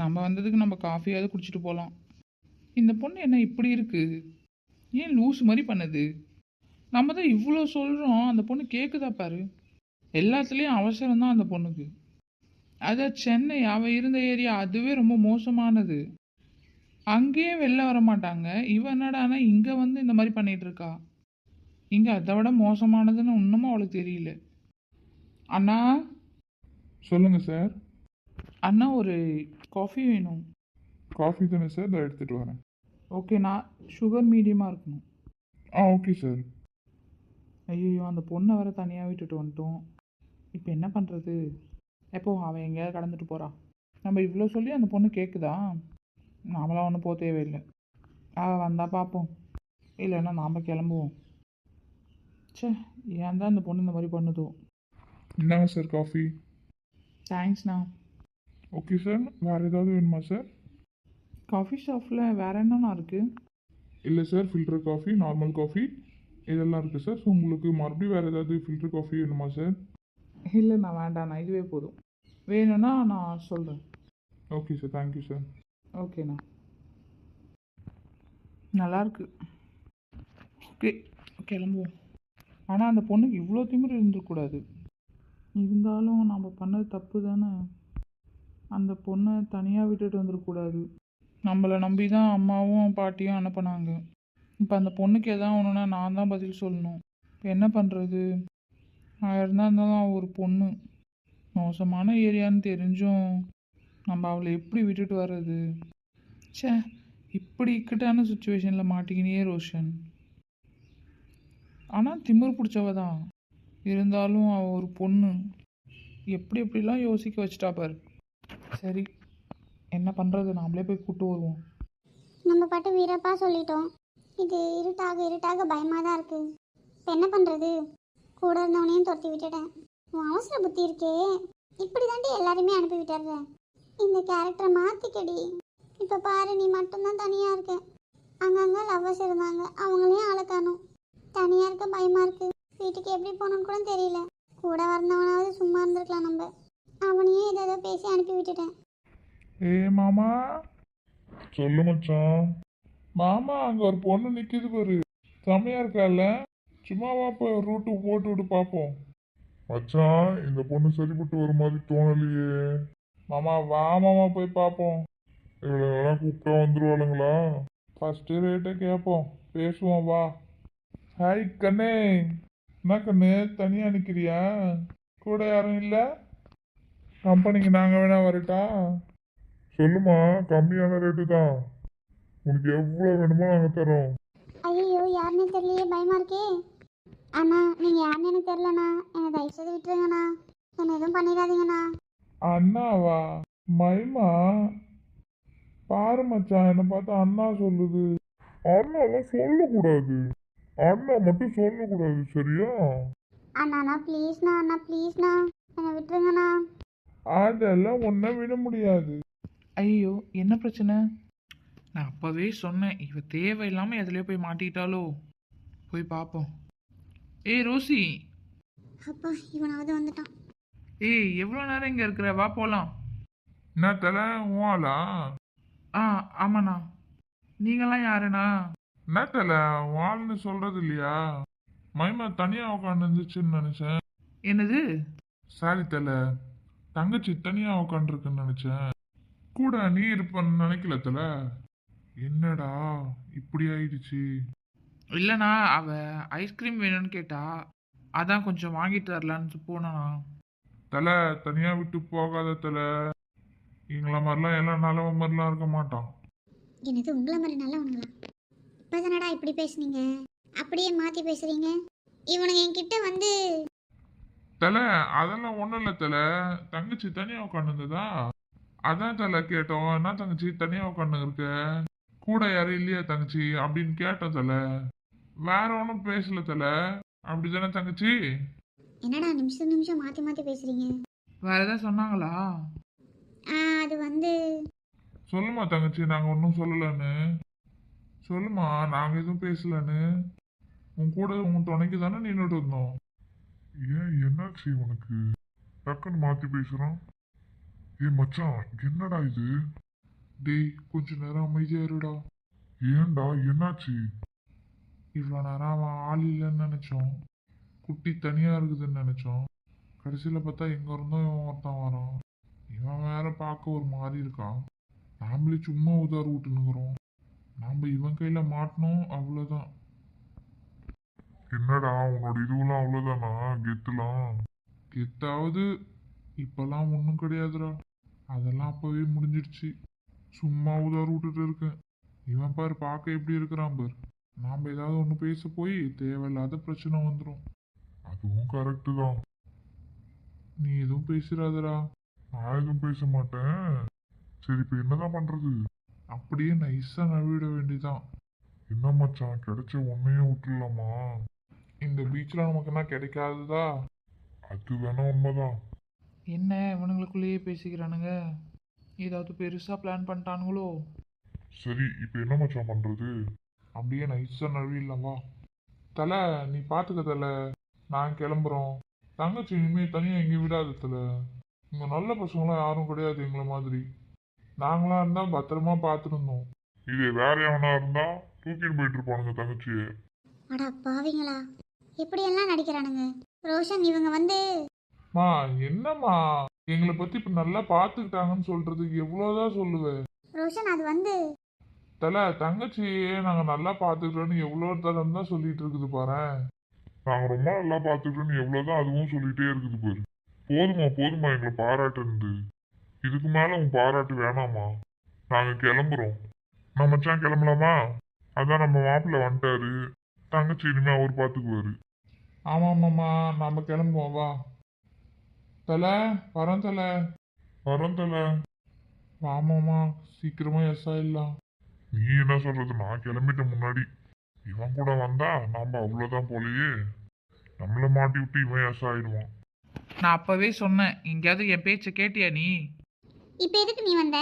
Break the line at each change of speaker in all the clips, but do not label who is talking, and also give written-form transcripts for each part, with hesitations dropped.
நம்ம வந்ததுக்கு நம்ம காஃபியாவது குடிச்சிட்டு போகலாம். இந்த பொண்ணு என்ன இப்படி இருக்கு? ஏன் லூஸ் மாதிரி பண்ணுது? நம்ம தான் இவ்வளோ சொல்கிறோம், அந்த பொண்ணு கேட்குதா பாரு. எல்லாத்துலேயும் அவசரம் தான் அந்த பொண்ணுக்கு. அதான் சென்னை, அவள் இருந்த ஏரியா அதுவே ரொம்ப மோசமானது. அங்கேயே வெளில வர மாட்டாங்க. இவ என்னடானா இங்கே வந்து இந்த மாதிரி பண்ணிகிட்டு இருக்கா. இங்கே அதை விட மோசமானதுன்னு இன்னமும் அவளுக்கு தெரியல. அண்ணா,
சொல்லுங்க சார்.
அண்ணா ஒரு காஃபி வேணும்.
காஃபி தானே சார், இதை எடுத்துகிட்டு வரேன்.
ஓகேண்ணா, சுகர் மீடியமாக இருக்கணும்.
Okay sir.
ஐயோ, அந்த பொண்ணை வர தனியாக விட்டுட்டு வந்துட்டோம். இப்போ என்ன பண்ணுறது? எப்போ அவன் எங்கேயாவது கடந்துட்டு போகிறா. நம்ம இவ்வளோ சொல்லி அந்த பொண்ணு கேட்குதா? நாமளாம் ஒன்றும் போக தேவையில்லை. அவள் வந்தால் பார்ப்போம், இல்லைன்னா நாம் கிளம்புவோம். சே, ஏன் தான் அந்த பொண்ணு இந்த மாதிரி பண்ணுதோ.
என்னங்க சார் காஃபி?
தேங்க்ஸ்ண்ணா.
ஓகே சார், வேறு ஏதாவது வேணுமா சார்?
காஃபி ஷாப்பில் வேறு என்னண்ணா இருக்குது?
இல்லை sir, filter coffee, normal coffee இதெல்லாம் இருக்குது சார். ஸோ உங்களுக்கு மறுபடியும் வேறு ஏதாவது ஃபில்டர் காஃபி வேணுமா சார்?
இல்லைண்ணா, வேண்டாண்ணா, இதுவே போதும். வேணும்னா நான் சொல்கிறேன்.
Okay sir, thank you sir.
ஓகேண்ணா, நல்லாயிருக்கு. ஓகே, கிளம்புவோம். ஆனால் அந்த பொண்ணுக்கு இவ்வளோ திமிரு இருந்துக்கூடாது. இருந்தாலும் நம்ம பண்ணது தப்பு தானே. அந்த பொண்ணை தனியாக விட்டுட்டு வந்துடக்கூடாது. நம்மளை நம்பி தான் அம்மாவும் பாட்டியும் அனுப்புனாங்க. இப்போ அந்த பொண்ணுக்கு எதாவது ஒன்றுனா நான் தான் பதில் சொல்லணும். இப்போ என்ன பண்ணுறது? இருந்தாலும் அவள் ஒரு பொண்ணு, மோசமான ஏரியான்னு தெரிஞ்சும் நம்ம அவளை எப்படி விட்டுட்டு வர்றது? சே, இப்படி இக்கட்டான சுச்சுவேஷனில் மாட்டிக்கினே ரோஷன். ஆனால் திமிர் பிடிச்சவ தான். இருந்தாலும் அவள் ஒரு பொண்ணு. எப்படி எப்படிலாம் யோசிக்க வச்சுட்டா பாரு. சரி, என்ன பண்ணுறது? நாமளே போய் கூப்பிட்டு வருவோம்.
நம்ம பாட்டு வீரப்பா சொல்லிட்டோம். இது இருட்டாக பயமாக தான் இருக்குது. இப்போ என்ன பண்ணுறது? கூட இருந்தவனையும் துரத்தி விட்டுட்டேன். உன் அவசர புத்தி இருக்கே, இப்படி தாண்டி எல்லாருமே அனுப்பி விட்டுறேன். இந்த கேரக்டரை மாற்றிக்கடி. இப்போ பாரு, நீ மட்டும்தான் தனியாக இருக்க. அங்கங்கே லவ்வர்ஸ் இருந்தாங்க, அவங்களையும் அழக்கானும். தனியாக இருக்க பயமாக இருக்குது. வீட்டுக்கு எப்படி போகணுன்னு கூட தெரியல. கூட வந்தவனாவது சும்மா இருந்திருக்கலாம். நம்ம அவனையும் ஏதோ பேசி அனுப்பி விட்டுட்டேன்.
மாமா. சொல்லு மச்சான். மாமா, அங்கே ஒரு பொண்ணு நிற்கிது பாரு, செம்மையா இருக்கால. சும்மாவா போய் ரூட்டு போட்டு விட்டு பார்ப்போம். மச்சான், இந்த பொண்ணு சரிப்பட்டு ஒரு மாதிரி தோணலையே. மாமா வா மாமா, போய் பார்ப்போம். இவளெல்லாம் கூப்பிட்டா வந்துருவாளுங்களா? ஃபஸ்ட்டு ரேட்டை கேட்போம், பேசுவோம் வா. ஹாய் கண்ணே. என்ன கண்ணு, தனியாக நிற்கிறியா? கூட யாரும் இல்லை? கம்பெனிக்கு நாங்கள் வேணா வரட்டா? சொல்லுமா, கம்மியான ரேட்டு தான். உனக்கு எவ்வளோ வேணுமோ நாங்கள் தரோம்.
ஐயோ, யாருன்னு தெரியலையே, பயமா இருக்கே. அண்ணா, நீங்க யாருன்னு எனக்கு தெரியலண்ணா. என்னை தயவு செய்து விட்டுருங்கண்ணா. என்ன எதுவும் பண்ணிடாதீங்கண்ணா.
அண்ணாவா? மைமா, பாரு மச்சான், என்னை பார்த்து அண்ணா சொல்லுது. அண்ணாலாம் சொல்லக்கூடாது, அண்ணா மட்டும் சொல்லக்கூடாது, சரியா?
அண்ணா ப்ளீஸ்ண்ணா, அண்ணா ப்ளீஸ்ண்ணா, என்னை விட்டுருங்கண்ணா.
அதெல்லாம் ஒன்றை விட முடியாது.
ஐயோ, என்ன பிரச்சனை? நான் அப்போவே சொன்னேன், இவ தேவையில்லாமல் எதுலேயோ போய் மாட்டிக்கிட்டாலோ. போய் பார்ப்போம். ஏய் ரோசி.
அப்பா, இவனாவது வந்துட்டான்.
ஏய், எவ்வளோ நேரம் இங்கே இருக்கிற? வா போகலாம்.
என்ன தலை வாளா?
ஆமாண்ணா. நீங்களாம் யாருண்ணா?
என்ன தலை வாள்னு சொல்கிறது இல்லையா? மைமா தனியாக உட்காந்து இருந்துச்சுன்னு நினச்சேன்.
என்னது?
சாரி தலை, தங்கச்சி தனியாக உட்காந்துருக்குன்னு நினச்சேன். கூட நீ இருப்பன்னு நினைக்கல தலை. என்னடா இப்படி ஆயிடுச்சு?
இல்லைண்ணா, அவள் ஐஸ்கிரீம் வேணும்னு கேட்டா, அதான் கொஞ்சம் வாங்கிட்டு வரலான்னு போனாண்ணா.
தலை, தனியாக விட்டு போகாத தலை. எங்களை மாதிரிலாம் எல்லாம் நல்லவ மாதிரிலாம் இருக்க மாட்டான்.
என்னது உங்களை மாதிரி நல்லவனுங்களா? இப்போதானடா இப்படி பேசுனீங்க, அப்படியே மாற்றி பேசுறீங்க. இவனுங்க என்கிட்ட வந்து
தலை, அதெல்லாம் ஒன்றும் இல்லை தலை. தங்கச்சி தனியாக உட்காந்துருந்ததா, அதான் தலை கேட்டோம். என்ன தங்கச்சி தனியாக உட்காந்து இருக்க, கூட யாரும் இல்லையா தங்கச்சி அப்படின்னு கேட்டோம் தலை. வேற ஒன்றும் பேசல தலை. அப்படிதானே தங்கச்சி?
என்னடா நிமிஷம் மாற்றி மாற்றி பேசுறீங்க?
வேற ஏதாவது சொன்னாங்களா?
அது வந்து
சொல்லுமா தங்கச்சி, நாங்கள் ஒன்றும் சொல்லலன்னு சொல்லுமா. நாங்கள் எதுவும் பேசலன்னு உன் கூட உன் துணைக்கு தானே நின்றுட்டு இருந்தோம். ஏன் என்னாச்சு உனக்கு? டக்குன்னு மாற்றி பேசுகிறான். ஏ மச்சான், என்னடா இது? டேய் கொஞ்ச நேரம் அமைதியா இருடா. ஏன்டா என்னாச்சு? இவ்வளோ நேரம் அவன் ஆள் இல்லைன்னு நினைச்சோம். குட்டி தனியா இருக்குதுன்னு நினைச்சோம். கடைசியில பார்த்தா எங்க இருந்தோம் இவன் ஒருத்தன் வரான். இவன் வேற பார்க்க ஒரு மாதிரி இருக்கான். நாமளே சும்மா உதார் விட்டுனுக்குறோம். நாம இவன் கையில மாட்டினோம் அவ்வளவுதான். என்னடா உன்னோட இதுவெல்லாம் அவ்வளவுதானா? கெத்துலாம் கெத்தாவது இப்பெல்லாம் ஒன்றும் கிடையாதுடா. அதெல்லாம் அப்பவே முடிஞ்சிடுச்சு. சும்மா உதார் விட்டுட்டு இருக்கேன். இவன் பாரு பார்க்க எப்படி இருக்கிறான் பாரு. நாம ஏதாவது ஒன்று பேச போய் தேவையில்லாத பிரச்சனை வந்துடும். அதுவும் கரெக்டு தான். நீ எதுவும் பேசுறாதடா. நான் எதுவும் பேச மாட்டேன். சரி இப்போ என்னதான் பண்றது? அப்படியே நைஸா நழுவிட வேண்டியதான். என்ன மச்சான் கிடைச்ச உன்னையே விட்டுலாமா? இந்த பீச்ல நமக்கு என்ன கிடைக்காதுதா? அது வேணா உண்மைதான்.
என்ன இவனுங்களுக்குள்ளேயே பேசிக்கிறானுங்க? ஏதாவது பெருசாக பிளான் பண்ணிட்டானுங்களோ?
சரி இப்போ என்ன மச்சான் பண்றது? அப்படியே நைஸா நழுவிடலாம் வா. தலை நீ பாத்துக்க தலை. நான் கிளம்புறோம். தங்கச்சி இனிமே தனியா எங்கேயும் விடாது தலை. இங்க நல்ல பசங்களாம் யாரும் கிடையாது எங்களை மாதிரி. நாங்களா இருந்தா பத்திரமா பார்த்துருந்தோம். இது வேற எவனா இருந்தா தூக்கிட்டு போயிட்டு இருப்பானுங்க தங்கச்சியை.
அடா பாவிங்களா, இப்படியெல்லாம் நடிக்கிறானுங்க. ரோஷன் இவங்க வந்து
மா என்னம்மா எங்களை பத்தி இப்ப நல்லா பாத்துக்கிட்டாங்கன்னு சொல்றதுக்கு எவ்வளவுதான் சொல்லுவேன்.
ரோஷன் அது வந்து
தல தங்கச்சியே நாங்க நல்லா பாத்துக்கிறோன்னு எவ்வளவு தரம் தான் சொல்லிட்டு இருக்குது பாரு. நாங்க ரொம்ப நல்லா பாத்துக்கிறோன்னு எவ்வளவுதான் அதுவும் சொல்லிட்டே இருக்குது பாரு. போதுமா போதுமா எங்களை பாராட்டுந்து. இதுக்கு மேல உன் பாராட்டு வேணாமா? நாங்க கிளம்புறோம். நம்ம மச்சான் கிளம்பலாமா? அதான் நம்ம மாப்பிள்ள வந்துட்டாரு. தங்கச்சி இனிமே அவர் பாத்துக்குவாரு. ஆமாமாம்மா நம்ம கிளம்புவோம் வா. தல வரோம் தல. வரோம் தல. வாமாமா சீக்கிரமா எஸ் ஆயிடலாம். நீ என்ன சொல்றது? நான் கிளம்பிட்ட முன்னாடி. இவன் கூட வந்தா நாம அவ்வளவுதான் போலயே. நம்மள மாட்டி விட்டு இவன் எஸ் ஆயிடுவான்.
நான் அப்போவே சொன்னேன், எங்கேயாவது என் பேச்சை கேட்டியா நீ?
இப்போ எதுக்கு நீ வந்த?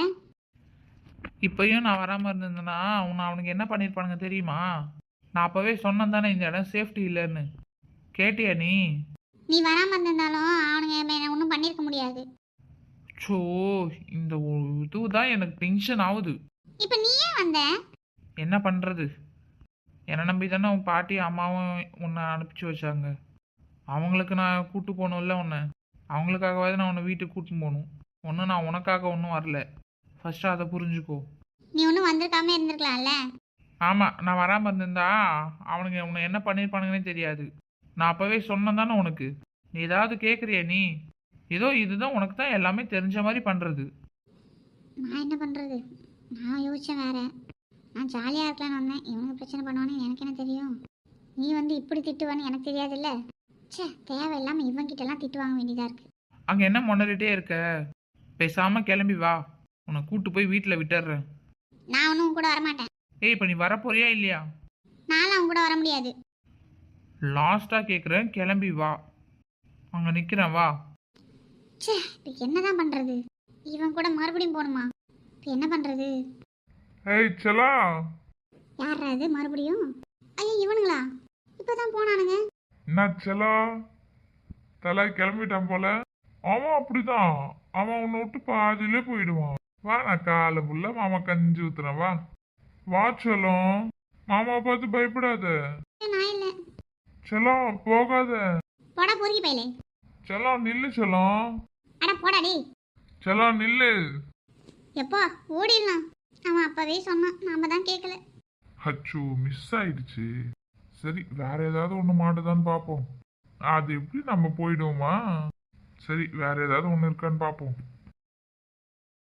இப்போயும் நான் வராமல் இருந்திருந்தேன்னா உன்னை அவனுக்கு என்ன பண்ணியிருப்பானுங்க தெரியுமா? நான் அப்போவே சொன்னேன் தானே இந்த இடம் சேஃப்டி இல்லைன்னு. கேட்டியா நீ?
நீ வராம இருந்திருந்தாலும் அவனுங்க என்ன ஒன்றும் பண்ணியிருக்க முடியாது.
ஸோ இந்த இதுதான் எனக்கு டென்ஷன் ஆகுது.
இப்போ நீ ஏன் வந்த?
என்ன பண்ணுறது? என்னை நம்பி தானே உன் பாட்டி அம்மாவும் உன்னை அனுப்பிச்சி வச்சாங்க. அவங்களுக்கு நான் கூட்டு போகணும்ல உன்னை. அவங்களுக்காகவாது நான் உன்னை வீட்டுக்கு கூட்டின்னு போகணும். ஒன்றும் நான் உனக்காக ஒன்றும் வரல. ஃபஸ்ட்டு அதை புரிஞ்சுக்கோ.
நீ ஒன்றும் வந்திருக்காம இருந்திருக்கலாம்ல.
ஆமாம், நான் வராமல் இருந்திருந்தா அவனுங்க உன்னை என்ன பண்ணியிருப்பானுங்கன்னே தெரியாது. நான் அப்போவே சொன்னேன் தானே உனக்கு. நீ ஏதாவது கேட்குறியா நீ? ஏதோ இதுதான் உனக்கு தான் எல்லாமே தெரிஞ்ச மாதிரி பண்ணுறது.
நான் என்ன பண்ணுறது? நான் யோசிச்சேன் வேற. நான் ஜாலியாக இருக்கலான்னு வந்தேன். இவனுக்கு பிரச்சனை பண்ணுவான்னு எனக்கு என்ன தெரியும்? நீ வந்து இப்படி திட்டுவான்னு எனக்கு தெரியாதுல்ல. ச்சே, தேவையில்லாமல் இவங்கிட்டலாம் திட்டு வாங்க வேண்டியதாக இருக்கு.
அங்கே என்ன முன்னறிட்டே இருக்க? பேசாமல் கிளம்பி வா. உன்னை கூட்டு போய் வீட்டில் விட்டுடுறேன்.
நான் ஒன்றும் உன் கூட வரமாட்டேன்.
ஏய், இப்போ நீ வரப்போறியா இல்லையா?
நானும் அவன் கூட வர முடியாது.
லாஸ்ட்டாக கேட்குறேன், கிளம்பி வா. அங்கே நிற்கிறேன் வா.
ச்சே, இப்போ என்னதான் பண்ணுறது? இவன் கூட மறுபடியும் போகணுமா? இப்போ என்ன பண்ணுறது?
ஏய் செலா.
யாரா இது மறுபடியும்? ஐயோ இவனுங்களா? இப்போ தான் போனானுங்க.
என்ன செலா? தலை கிளம்பிட்டான் போல. அவன் அப்படிதான். அவன் உன்னை விட்டு பாதியிலே போயிடுவான். வா நான் காலை புள்ள மாமா கஞ்சி ஊத்துறேன் வா. வா செல்லம். மாமாவை பார்த்து பயப்படாத.
நான் இல்லை.
செல்லம் போகாத.
போடா பொறுக்கி பையலே.
செல்லம் நில்லு செல்லம்.
அட போடா டேய்.
செல்லம் நில்லு.
எப்பா ஓடிடலாம். அவன் அப்பவே சொன்னான், நாம தான் கேட்கல.
அச்சோ மிஸ் ஆயிடுச்சு. சரி வேற ஏதாவது ஒன்று மாட்டுதான்னு பார்ப்போம். அது எப்படி நம்ம போயிடுவோமா? சரி வேற ஏதாவது ஒன்று இருக்கான்னு பார்ப்போம்.